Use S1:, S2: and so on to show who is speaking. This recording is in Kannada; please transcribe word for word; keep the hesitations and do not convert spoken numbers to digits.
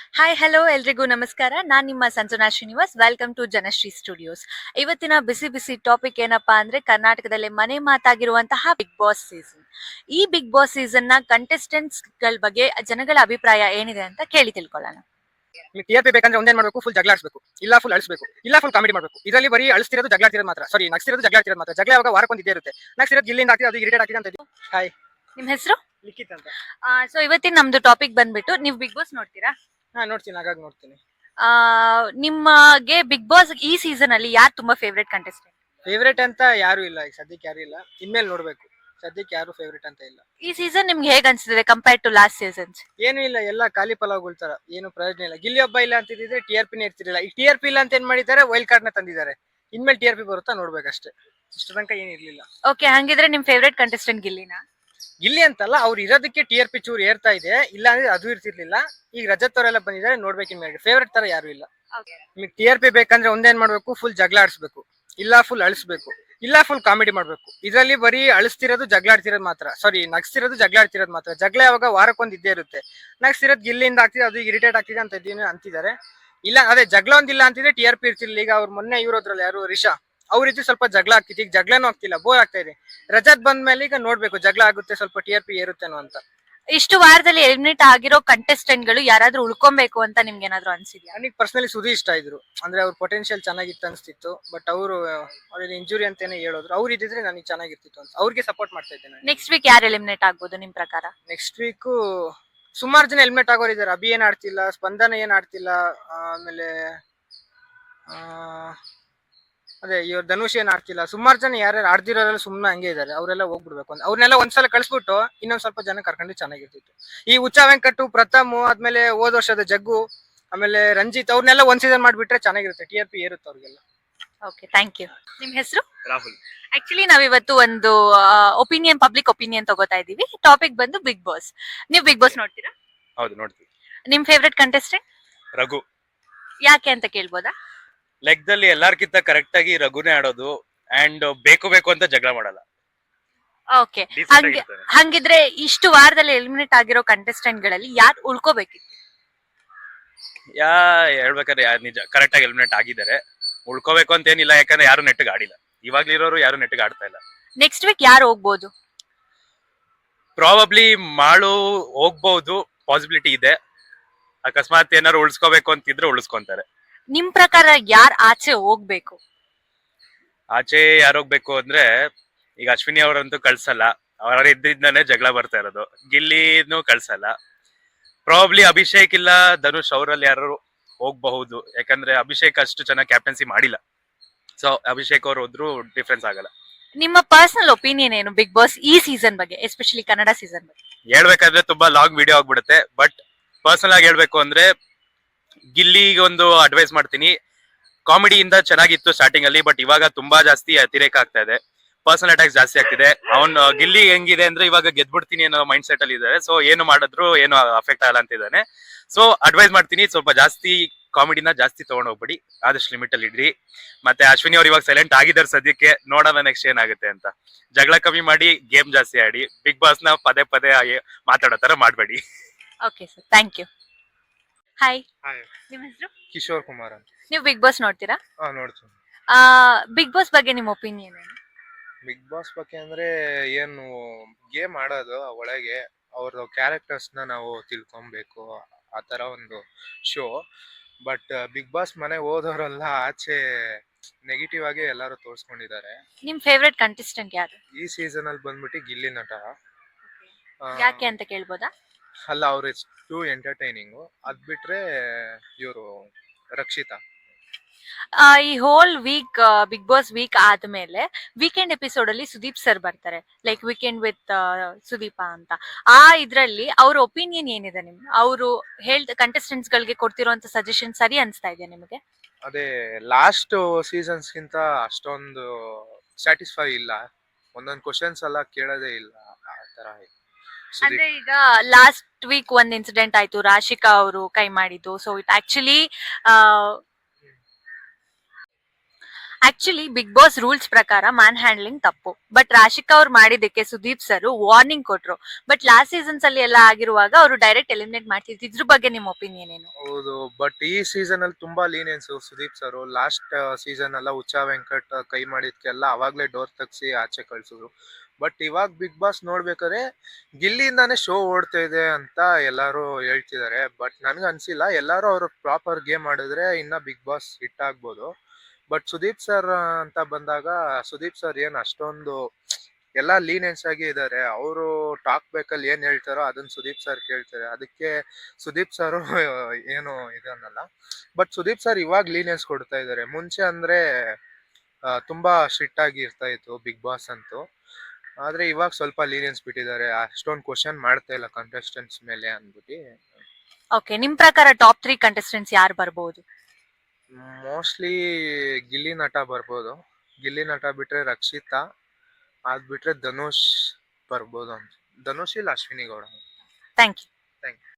S1: ಹಾಯ್ ಹಲೋ ಎಲ್ರಿಗೂ ನಮಸ್ಕಾರ. ನಾನ್ ನಿಮ್ಮ Sanjana Srinivas. Welcome to Janashree studios. ಇವತ್ತಿನ ಬಿಸಿ ಬಿಸಿ ಟಾಪಿಕ್ ಏನಪ್ಪಾ ಅಂದ್ರೆ ಕರ್ನಾಟಕದಲ್ಲಿ ಮನೆ ಮಾತಾಗಿರುವಂತಹ ಬಿಗ್ ಬಾಸ್ ಸೀಸನ್. ಈ ಬಿಗ್ ಬಾಸ್ ಸೀಸನ್ ನ ಕಂಟೆಸ್ಟೆಂಟ್ಸ್ ಗಳ ಬಗ್ಗೆ ಜನಗಳ ಅಭಿಪ್ರಾಯ ಏನಿದೆ ಅಂತ ಕೇಳಿ ತಿಳ್ಕೊಳ್ಳೋಣ.
S2: ಟಿ ಆರ್ ಪಿ ಬೇಕಂದ್ರೆ ಒಂದೇನ್ ಮಾಡಬೇಕು, ಫುಲ್ ಜಗಳ ಆಡಿಸಬೇಕು, ಇಲ್ಲ ಫುಲ್ ಅಳಿಸಬೇಕು, ಇಲ್ಲ ಫುಲ್ ಕಾಮಿಡಿ ಮಾಡಬೇಕು. ಇದರಲ್ಲಿ ಬರೀ ಅಳಿಸ್ತಿರೋದು ಜಗಳ ಆಡ್ತಿರೋದು ಮಾತ್ರ, ಸಾರಿ ನಗ್ಸಿರೋದು ಜಗಳ ಆಡ್ತಿರೋದು ಮಾತ್ರ. ಜಗಳ ಯಾವಾಗ ವಾರಕ್ಕೊಂದು ಇದ್ದೇ ಇರುತ್ತೆ. ನಗ್ಸಿರೋದು ಇಲ್ಲಿಂದ ಆಗ್ತಿದೆ, ಅದು ಇರಿಟೇಟ್ ಆಗ್ತಿದೆ ಅಂತ. ಹಾಯ್,
S1: ನಿಮ್ ಹೆಸರು?
S2: ಲಿಖಿತ್ ಅಂತ.
S1: ಸೊ ಇವತ್ತಿನ ನಮ್ದು ಟಾಪಿಕ್ ಬಂದ್ಬಿಟ್ಟು, ನೀವು ಬಿಗ್ ಬಾಸ್ ನೋಡ್ತೀರಾ?
S2: ಹಾ ನೋಡ್ತೀನಿ, ಹಾಗಾಗಿ ನೋಡ್ತೀನಿ.
S1: ಆ ನಿಮಗೆ ಬಿಗ್ ಬಾಸ್ ಈ ಸೀಸನ್ ಅಲ್ಲಿ ಯಾರು ತುಂಬಾ ಫೇವ್ರೆಟ್ ಕಂಟೆಸ್ಟೆಂಟ್?
S2: ಫೇವ್ರೇಟ್ ಅಂತ ಯಾರು ಇಲ್ಲ, ಈಗ ಸದ್ಯಕ್ಕೆ ಯಾರು ಇಲ್ಲ. ಇನ್ಮೇಲೆ ನೋಡ್ಬೇಕು. ಸದ್ಯಕ್ಕೆ ಯಾರು ಫೇವ್ರೇಟ್ ಅಂತ ಇಲ್ಲ.
S1: ಈ ಸೀಸನ್ ನಿಮ್ಗೆ ಹೇಗ್ ಅನ್ಸಿದೆ ಕಂಪೇರ್ ಟು ಲಾಸ್ಟ್ ಸೀಸನ್ಸ್?
S2: ಏನು ಇಲ್ಲ, ಎಲ್ಲ ಖಾಲಿ ಪಲಾವ್ಗಳ ತರ, ಏನು ಪ್ರಯೋಜನ ಇಲ್ಲ. ಗಿಲ್ಲಿ ಒಬ್ಬ ಇಲ್ಲ ಅಂತಿದ್ರೆ ಟಿ ಆರ್ ಪಿನೇ ಇರ್ತಿರ್ಲಿಲ್ಲ. ಈ ಟಿ ಆರ್ ಪಿ ಇಲ್ಲ ಅಂತ ಏನ್ ಮಾಡಿದ್ದಾರೆ, ವೈಲ್ಡ್ ಕಾರ್ಡ್ ನ ತಂದಿದ್ದಾರೆ. ಇನ್ಮೇಲೆ ಟಿ ಆರ್ ಪಿ ಬರುತ್ತಾ ನೋಡ್ಬೇಕಷ್ಟೇ. ಇಷ್ಟು ತನಕ ಏನ್ ಇರ್ಲಿಲ್ಲ.
S1: ಓಕೆ, ಹಂಗಿದ್ರೆ ನಿಮ್ ಫೇವ್ರೆಟ್ ಕಂಟೆಸ್ಟೆಂಟ್ ಗಿಲ್ಲಿನಾ?
S2: ಗಿಲ್ಲಿ ಅಂತಲ್ಲ, ಅವ್ರು ಇರೋದಕ್ಕೆ ಟಿ ಆರ್ ಪಿ ಚೂರು ಏರ್ತಾ ಇದೆ. ಇಲ್ಲ ಅಂದ್ರೆ ಅದು ಇರ್ತಿರ್ಲಿಲ್ಲ. ಈಗ ರಜತ್ ಅವರೆಲ್ಲ ಬಂದಿದ್ದಾರೆ, ನೋಡ್ಬೇಕು. ಇನ್ಮೇಲೆ ಫೇವ್ರೇಟ್ ತರ ಯಾರು ಇಲ್ಲ. ನಿಮಗೆ ಟಿ ಆರ್ ಪಿ ಬೇಕಂದ್ರೆ ಒಂದೇನ್ ಮಾಡ್ಬೇಕು, ಫುಲ್ ಜಗಳ ಆಡಿಸ್ಬೇಕು, ಇಲ್ಲ ಫುಲ್ ಅಳಿಸ್ಬೇಕು, ಇಲ್ಲ ಫುಲ್ ಕಾಮಿಡಿ ಮಾಡ್ಬೇಕು. ಇದರಲ್ಲಿ ಬರೀ ಅಳಿಸ್ತಿರೋದು ಜಗಳ ಆಡ್ತಿರೋದು ಮಾತ್ರ, ಸಾರಿ ನಗ್ಸ್ತಿರೋದು ಜಗಳ ಆಡ್ತಿರೋದು ಮಾತ್ರ. ಜಗಳ ಯಾವಾಗ ವಾರಕ್ಕೊಂದು ಇದ್ದೇ ಇರುತ್ತೆ. ನಗ್ಸ್ತಿರೋದು ಗಿಲ್ಲಿಂದ ಆಗ್ತಿದೆ, ಅದು ಇರಿಟೇಟ್ ಆಗ್ತಿದೆ ಅಂತ ಇದೀನಿ ಅಂತಿದ್ದಾರೆ. ಇಲ್ಲ ಅದೇ ಜಗಳ ಒಂದಿಲ್ಲ ಅಂತಿದ್ರೆ ಟಿ ಆರ್ ಪಿ ಇರ್ತಿರ್ಲಿಲ್ಲ. ಈಗ ಅವ್ರು ಮೊನ್ನೆ ಇವ್ರದ್ರಲ್ಲಿ ಯಾರು ರಿಷಾ ಅವ್ರ ರೀತಿ ಸ್ವಲ್ಪ ಜಗಳ ಆಗ್ತಿತ್ತು. ಈಗ ಜಗಳನೂ ಆಗ್ತಿಲ್ಲ, ಬೋರ್ ಆಗ್ತಾ ಇದೆ. ರಜತ್ ಬಂದ ಮೇಲೆ ಈಗ ನೋಡ್ಬೇಕು, ಜಗಳ ಆಗುತ್ತೆ, ಸ್ವಲ್ಪ ಟಿ ಆರ್ ಪಿ ಏರುತ್ತೇನೋ ಅಂತ.
S1: ಇಷ್ಟು ವಾರದಲ್ಲಿ ಎಲಿಮಿನೇಟ್ ಆಗಿರೋ ಕಂಟೆಸ್ಟೆಂಟ್ ಗಳು ಯಾರಾದ್ರೂ ಉಳ್ಕೊಬೇಕು ಅಂತ ನಿಮ್ಗೆ ಏನಾದ್ರು ಅನ್ಸಿದ್ಯಾ?
S2: ನನಗೆ ಪರ್ಸನಲಿ ಸುದಿ ಇಷ್ಟ ಇದ್ರು. ಅಂದ್ರೆ ಅವ್ರ ಪೊಟೆನ್ಶಿಯಲ್ ಚೆನ್ನಾಗಿತ್ತು ಅನ್ಸ್ತಿತ್ತು. ಬಟ್ ಅವರು ಅವ್ರಿಗೆ ಇಂಜುರಿ ಅಂತಾನೆ ಹೇಳೋದ್ರು. ಅವ್ರು ಇದ್ದಿದ್ರೆ ನನಗೆ ಚೆನ್ನಾಗಿರ್ತಿತ್ತು ಅಂತ ಅವ್ರಿಗೆ ಸಪೋರ್ಟ್ ಮಾಡ್ತಾ ಇದ್ದೆ ನಾನು.
S1: ನೆಕ್ಸ್ಟ್ ವೀಕ್ ಯಾರು ಎಲಿಮಿನೇಟ್ ಆಗ್ಬೋದು ನಿಮ್ ಪ್ರಕಾರ?
S2: ನೆಕ್ಸ್ಟ್ ವೀಕ್ ಸುಮಾರು ಜನ ಹೆಲ್ಮೆಟ್ ಆಗೋರು ಇದಾರೆ. ಅಭಿ ಏನ್ ಆಡ್ತಿಲ್ಲ, ಸ್ಪಂದನ ಏನ್ ಆಡ್ತಿಲ್ಲ, ಆಮೇಲೆ ಆ ಅದೇ ಇವ್ರ ಧನುಷ್ ಏನ್ ಆಡ್ತಿಲ್ಲ. ಸುಮಾರು ಜನ ಯಾರ್ಯಾರು ಆಡ್ದಿರೋರೆಲ್ಲ ಸುಮ್ಮನೆ ಹಂಗೆ ಇದಾರೆ. ಅವರೆಲ್ಲ ಹೋಗ್ಬಿಡ್ಬೇಕು ಅಂತ. ಅವ್ರನ್ನೆಲ್ಲ ಒಂದ್ಸಲ ಕಳ್ಸ್ಬಿಟ್ಟು ಇನ್ನೊಂದ್ ಸ್ವಲ್ಪ ಜನ ಕರ್ಕೊಂಡು ಚೆನ್ನಾಗಿರ್ತಿತ್ತು. ಈ ಹುಚ್ಚ ವೆಂಕಟು, ಪ್ರಥಮ್, ಆದ್ಮೇಲೆ ಹೋದ ವರ್ಷದ ಜಗ್ಗು, ಆಮೇಲೆ ರಂಜಿತ್, ಅವ್ರನ್ನೆಲ್ಲ ಒಂದ್ ಸೀಸನ್ ಮಾಡ್ಬಿಟ್ರೆ ಚೆನ್ನಾಗಿರುತ್ತೆ. ಟಿ ಆರ್ ಪಿ ಏರುತ್ತೆ ಅವ್ರಿಗೆಲ್ಲ.
S1: Okay, thank you. ನಿಮ್ ಹೆಸರು?
S3: ರಾಹುಲ್.
S1: ಆಕ್ಚುಲಿ ನಾವಿವತ್ತು ಒಂದು ಒಪಿನಿಯನ್ ಪಬ್ಲಿಕ್ ಒಪಿನಿಯನ್ ತಗೋತಾ ಇದೀವಿ. ಟಾಪಿಕ್ ಬಂದು ಬಿಗ್ ಬಾಸ್. ನೀವು ಬಿಗ್ ಬಾಸ್ ನೋಡ್ತೀರಾ?
S3: ಹೌದು, ನೋಡ್ತೀವಿ.
S1: ನಿಮ್ ಫೇವ್ರೆಟ್ ಕಂಟೆಸ್ಟೆಂಟ್
S3: ರಘು.
S1: ಯಾಕೆ ಅಂತ ಕೇಳ್ಬೋದಾ?
S3: ಲೆಕ್ಕದಲ್ಲಿ ಎಲ್ಲಾರ್ಕಿಂತ ಕರೆಕ್ಟ್ ಆಗಿ ರಘುನೇ ಆಡೋದು. ಅಂಡ್ ಬೇಕು ಬೇಕು ಅಂತ ಜಗಳ ಮಾಡಲ್ಲ.
S1: ಓಕೆ,
S3: Decent
S1: ಹಂಗೆ
S3: ಆಗಿರ್ತಾನೆ.
S1: ಹಂಗಿದ್ರೆ ಇಷ್ಟು ವಾರದಲ್ಲಿ ಎಲಿಮಿನೇಟ್ ಆಗಿರೋ ಕಂಟೆಸ್ಟೆಂಟ್ ಗಳಲ್ಲಿ ಯಾರು ಉಳ್ಕೋಬೇಕಿತ್ತು?
S3: ಯಾ ಹೇಳ್ಬೇಕಾದ್ರೆ ಯಾರು ನಿಜ ಕರೆಕ್ಟ್ ಆಗಿ ಎಲಿಮಿನೇಟ್ ಆಗಿದ್ದಾರೆ. ಉಳ್ಕೋಬೇಕು ಅಂತ ಏನಿಲ್ಲ, ಯಾಕಂದ್ರೆ ಯಾರು ನೆಟ್ಟಿಗೆ ಆಡಿಲ್ಲ. ಇವಾಗ್ಲಿರೋರು ಯಾರು ನೆಟ್ಟಿಗೆ ಆಡ್ತಾ ಇಲ್ಲ.
S1: ನೆಕ್ಸ್ಟ್ ವೀಕ್ ಯಾರು ಹೋಗ್ಬೋದು?
S3: ಪ್ರಾಬಬ್ಲಿ ಮಾಳು ಹೋಗ್ಬಹುದು, ಪಾಸಿಬಿಲಿಟಿ ಇದೆ. ಅಕಸ್ಮಾತ್ ಏನಾರು ಉಳಿಸ್ಕೋಬೇಕು ಅಂತಿದ್ರೆ ಉಳಿಸ್ಕೊಂತಾರೆ.
S1: ನಿಮ್ ಪ್ರಕಾರ ಯಾರ್ ಆಚೆ ಹೋಗ್ಬೇಕು?
S3: ಆಚೆ ಯಾರೋಗ್ಬೇಕು ಅಂದ್ರೆ ಈಗ ಅಶ್ವಿನಿ ಅವರಂತೂ ಕಳ್ಸಲ್ಲ. ಅವರ ಇದ್ದಿದ್ದಾನೆ ಜಗಳ ಬರ್ತಾ ಇರೋದು. ಗಿಲ್ಲಿನೂ ಕಳ್ಸಲ್ಲ. ಪ್ರಾಬಬ್ಲಿ ಅಭಿಷೇಕ್ ಇಲ್ಲ ಧನುಷ್ ಅವರಲ್ಲಿ ಯಾರು ಹೋಗ್ಬಹುದು. ಯಾಕಂದ್ರೆ ಅಭಿಷೇಕ್ ಅಷ್ಟು ಚೆನ್ನಾಗಿ ಕ್ಯಾಪ್ಟನ್ಸಿ ಮಾಡಿಲ್ಲ. ಸೊ ಅಭಿಷೇಕ್ ಅವ್ರು ಹೋದ್ರು ಡಿಫ್ರೆನ್ಸ್ ಆಗಲ್ಲ.
S1: ನಿಮ್ಮ ಪರ್ಸನಲ್ ಒಪಿನಿಯನ್ ಏನು ಬಿಗ್ ಬಾಸ್ ಈ ಸೀಸನ್ ಬಗ್ಗೆ, ಎಸ್ಪೆಷಲಿ ಕನ್ನಡ ಸೀಸನ್ ಬಗ್ಗೆ?
S3: ಹೇಳ್ಬೇಕಾದ್ರೆ ತುಂಬಾ ಲಾಂಗ್ ವಿಡಿಯೋ ಆಗ್ಬಿಡುತ್ತೆ. ಬಟ್ ಪರ್ಸನಲ್ ಆಗಿ ಹೇಳ್ಬೇಕು ಅಂದ್ರೆ ಗಿಲ್ಲಿಗೆ ಒಂದು ಅಡ್ವೈಸ್ ಮಾಡ್ತೀನಿ. ಕಾಮಿಡಿಯಿಂದ ಚೆನ್ನಾಗಿತ್ತು ಸ್ಟಾರ್ಟಿಂಗ್ ಅಲ್ಲಿ, ಬಟ್ ಇವಾಗ ತುಂಬಾ ಜಾಸ್ತಿ ಅತಿರೇಕ ಆಗ್ತಾ ಇದೆ. ಪರ್ಸನಲ್ ಅಟ್ಯಾಕ್ಸ್ ಜಾಸ್ತಿ ಆಗ್ತಿದೆ. ಅವ್ನ್ ಗಿಲ್ಲಿ ಹೆಂಗಿದೆ ಅಂದ್ರೆ ಇವಾಗ ಗೆದ್ಬಿಡ್ತೀನಿ ಅನ್ನೋ ಮೈಂಡ್ ಸೆಟ್ ಅಲ್ಲಿ ಇದ್ದಾರೆ. ಸೊ ಏನು ಮಾಡಿದ್ರು ಏನು ಅಫೆಕ್ಟ್ ಆಗಲ್ಲ ಅಂತಿದ್ದಾನೆ. ಸೊ ಅಡ್ವೈಸ್ ಮಾಡ್ತೀನಿ, ಸ್ವಲ್ಪ ಜಾಸ್ತಿ ಕಾಮಿಡಿನ ಜಾಸ್ತಿ ತಗೊಂಡ್ ಹೋಗ್ಬಿಡಿ, ಆದಷ್ಟು ಲಿಮಿಟ್ ಅಲ್ಲಿ ಇಡ್ರಿ. ಮತ್ತೆ ಅಶ್ವಿನಿ ಅವ್ರು ಇವಾಗ ಸೈಲೆಂಟ್ ಆಗಿದ್ದಾರೆ ಸದ್ಯಕ್ಕೆ, ನೋಡೋಣ ನೆಕ್ಸ್ಟ್ ಏನಾಗುತ್ತೆ ಅಂತ. ಜಗಳ ಕಮ್ಮಿ ಮಾಡಿ, ಗೇಮ್ ಜಾಸ್ತಿ ಆಡಿ. ಬಿಗ್ ಬಾಸ್ ನ ಪದೇ ಪದೇ ಮಾತಾಡೋ ತರ ಮಾಡ್ಬೇಡಿ.
S1: Okay sir, thank you. Hi,
S2: hi,
S1: ನಿಮ್ಮ ಹೆಸರು?
S2: ಕಿಶೋರ್ ಕುಮಾರ್ ಅಂತ.
S1: ನೀವು ಬಿಗ್ ಬಾಸ್ ನೋಡ್ತೀರಾ?
S2: ಹಾ ನೋಡ್ತೀನಿ.
S1: ಬಿಗ್ ಬಾಸ್ ಬಗ್ಗೆ ನಿಮ್ಮ ಒಪಿನಿಯನ್ ಏನು?
S4: ಬಿಗ್ ಬಾಸ್ ಬಗ್ಗೆ ಅಂದ್ರೆ ಏನು ಗೇಮ್ ಆಡೋದು ಒಳಗೆ ಅವ್ರದ್ದು ಕ್ಯಾರೆಕ್ಟರ್ಸ್ ನ ನಾವು ತಿಳ್ಕೊಬೇಕು, ಆ ತರ ಒಂದು ಶೋ. ಬಟ್ ಬಿಗ್ ಬಾಸ್ ಮನೆಗೆ ಹೋದವರೆಲ್ಲ ಆಚೆ ನೆಗೆಟಿವ್ ಆಗಿ ಎಲ್ಲಾರು ತೋರ್ಸ್ಕೊಂಡಿದ್ದಾರೆ.
S1: ನಿಮ್ ಫೇವ್ರೆಟ್ ಕಂಟೆಸ್ಟೆಂಟ್ ಯಾರು
S4: ಈ ಸೀಸನ್ ಅಲ್ಲಿ ಬಂದ್ಬಿಟ್ಟು ಗಿಲ್ಲಿ ನಟ. ಆ,
S1: ಯಾಕೆ ಅಂತ ಕೇಳ್ಬೋದಾ?
S4: ಅಲ್ಲ, ಅವ್ರ ಟೂ ಎಂಟರ್ಟೈನಿಂಗು. ಅದ್ ಬಿಟ್ರೆ ಇವರು ರಕ್ಷಿತಾ.
S1: ಆ, ಈ whole week Bigg Boss week ಆದ್ಮೇಲೆ ವೀಕೆಂಡ್ ಎಪಿಸೋಡ್ ಅಲ್ಲಿ ಸುದೀಪ್ ಸರ್ ಬರ್ತಾರೆ, ಲೈಕ್ ವೀಕೆಂಡ್ ವಿತ್ ಸುದೀಪ ಅಂತ. ಆ ಇದ್ರಲ್ಲಿ ಅವ್ರ ಒಪಿನಿಯನ್ ಏನಿದೆ ನಿಮ್? ಅವರು ಹೇಳ್ದ ಕಂಟೆಸ್ಟೆಂಟ್ಸ್ ಗಳಿಗೆ ಕೊಡ್ತಿರೋಂತ ಸಜೆಷನ್ ಸರಿ ಅನ್ಸ್ತಾ ಇದೆಯಾ ನಿಮಗೆ?
S4: ಅದೇ ಲಾಸ್ಟ್ ಸೀಸನ್ಸ್ ಗಿಂತ ಅಷ್ಟೊಂದು ಸ್ಯಾಟಿಸ್ಫೈ ಇಲ್ಲ. ಒಂದೊಂದು ಕ್ವಶನ್ಸ್ ಎಲ್ಲ ಕೇಳೋದೇ ಇಲ್ಲ, ಆ ತರ ಇದೆ.
S1: ಅಂದ್ರೆ
S4: ಸುದೀಪ್
S1: ಈಗ ಲಾಸ್ಟ್ ವೀಕ್ ಒಂದ್ ಇನ್ಸಿಡೆಂಟ್ ಆಯ್ತು, ರಾಶಿಕಾ ಅವರು ಕೈ ಮಾಡಿದ್ದು. So it actually actually Bigg Boss rules ಪ್ರಕಾರ ಮ್ಯಾನ್ ಹ್ಯಾಂಡ್ಲಿಂಗ್ ತಪ್ಪು, ಬಟ್ ರಾಶಿಕಾ ಅವ್ರು ಮಾಡಿದ್ದಕ್ಕೆ ಸುದೀಪ್ ಸರ್ ವಾರ್ನಿಂಗ್ ಕೊಟ್ರು. ಬಟ್ ಲಾಸ್ಟ್ ಸೀಸನ್ಸ್ ಅಲ್ಲಿ ಎಲ್ಲ ಆಗಿರುವಾಗ ಅವರು ಡೈರೆಕ್ಟ್ ಎಲಿಮಿನೇಟ್ ಮಾಡ್ತಿದ್ರು. ಇದ್ರ ಬಗ್ಗೆ ನಿಮ್ ಒಪಿನಿಯನ್ ಏನು?
S4: ಹೌದು, ಬಟ್ ಈ ಸೀಸನ್ ಅಲ್ಲಿ ತುಂಬಾ lenience Sudeep sir. Last season ಎಲ್ಲ ಹುಚ್ಚ ವೆಂಕಟ್ ಕೈ ಮಾಡಿದ್ಕೆಲ್ಲ ಅವಾಗ್ಲೇ ಡೋರ್ ತಗ್ಸಿ ಆಚೆ ಕಳ್ಸಿದ್ರು. ಬಟ್ ಇವಾಗ ಬಿಗ್ ಬಾಸ್ ನೋಡ್ಬೇಕಾದ್ರೆ ಗಿಲ್ಲಿಯಿಂದಾನೇ ಶೋ ಓಡ್ತಾ ಇದೆ ಅಂತ ಎಲ್ಲಾರು ಹೇಳ್ತಿದ್ದಾರೆ. ಬಟ್ ನನ್ಗೆ ಅನ್ಸಿಲ್ಲ. ಎಲ್ಲಾರು ಅವ್ರು ಪ್ರಾಪರ್ ಗೇಮ್ ಆಡಿದ್ರೆ ಇನ್ನ ಬಿಗ್ ಬಾಸ್ ಹಿಟ್ ಆಗ್ಬೋದು. ಬಟ್ ಸುದೀಪ್ ಸರ್ ಅಂತ ಬಂದಾಗ ಸುದೀಪ್ ಸರ್ ಏನ್ ಅಷ್ಟೊಂದು ಎಲ್ಲಾ ಲೀನಿಯನ್ಸ್ ಆಗಿ ಇದಾರೆ. ಅವರು ಟಾಕ್ ಬೇಕಲ್ಲಿ ಏನ್ ಹೇಳ್ತಾರೋ ಅದನ್ನ ಸುದೀಪ್ ಸರ್ ಕೇಳ್ತಾರೆ. ಅದಕ್ಕೆ ಸುದೀಪ್ ಸರ್ ಏನು ಇದನ್ನಲ್ಲ. ಬಟ್ ಸುದೀಪ್ ಸರ್ ಇವಾಗ ಲೀನಿಯನ್ಸ್ ಕೊಡ್ತಾ ಇದಾರೆ. ಮುಂಚೆ ಅಂದ್ರೆ ಆ, ತುಂಬಾ ಸ್ಟ್ರಿಕ್ಟ್ ಆಗಿ ಇರ್ತಾ ಇತ್ತು ಬಿಗ್ ಬಾಸ್ ಅಂತೂ. ಆದ್ರೆ ಇವಾಗ ಸ್ವಲ್ಪ ಲೀನಿಯನ್ಸ್ ಬಿಟ್ಟಿದ್ದಾರೆ. ಅಷ್ಟೊಂದು ಕ್ವಶನ್ ಮಾಡ್ತಾ ಇಲ್ಲ ಕಂಟೆಸ್ಟೆಂಟ್ಸ್ ಮೇಲೆ ಅಂದ್ಬಿಟ್ಟು.
S1: ಓಕೆ, ನಿಮ್ ಪ್ರಕಾರ ಟಾಪ್ ತ್ರೀ ಕಂಟೆಸ್ಟೆಂಟ್ಸ್ ಯಾರು ಬರ್ಬೋದು?
S4: ಮೋಸ್ಟ್ಲಿ ಗಿಲ್ಲಿ ನಟ ಬರ್ಬೋದು. ಗಿಲ್ಲಿ ನಟ ಬಿಟ್ರೆ ರಕ್ಷಿತಾ, ಅದ್ ಬಿಟ್ರೆ ಧನುಷ್ ಬರ್ಬೋದು ಅಂತ. ಧನುಷ್ ಇಲ್ಲ Ashwini Gowda.
S1: Thank you.
S4: Thank you.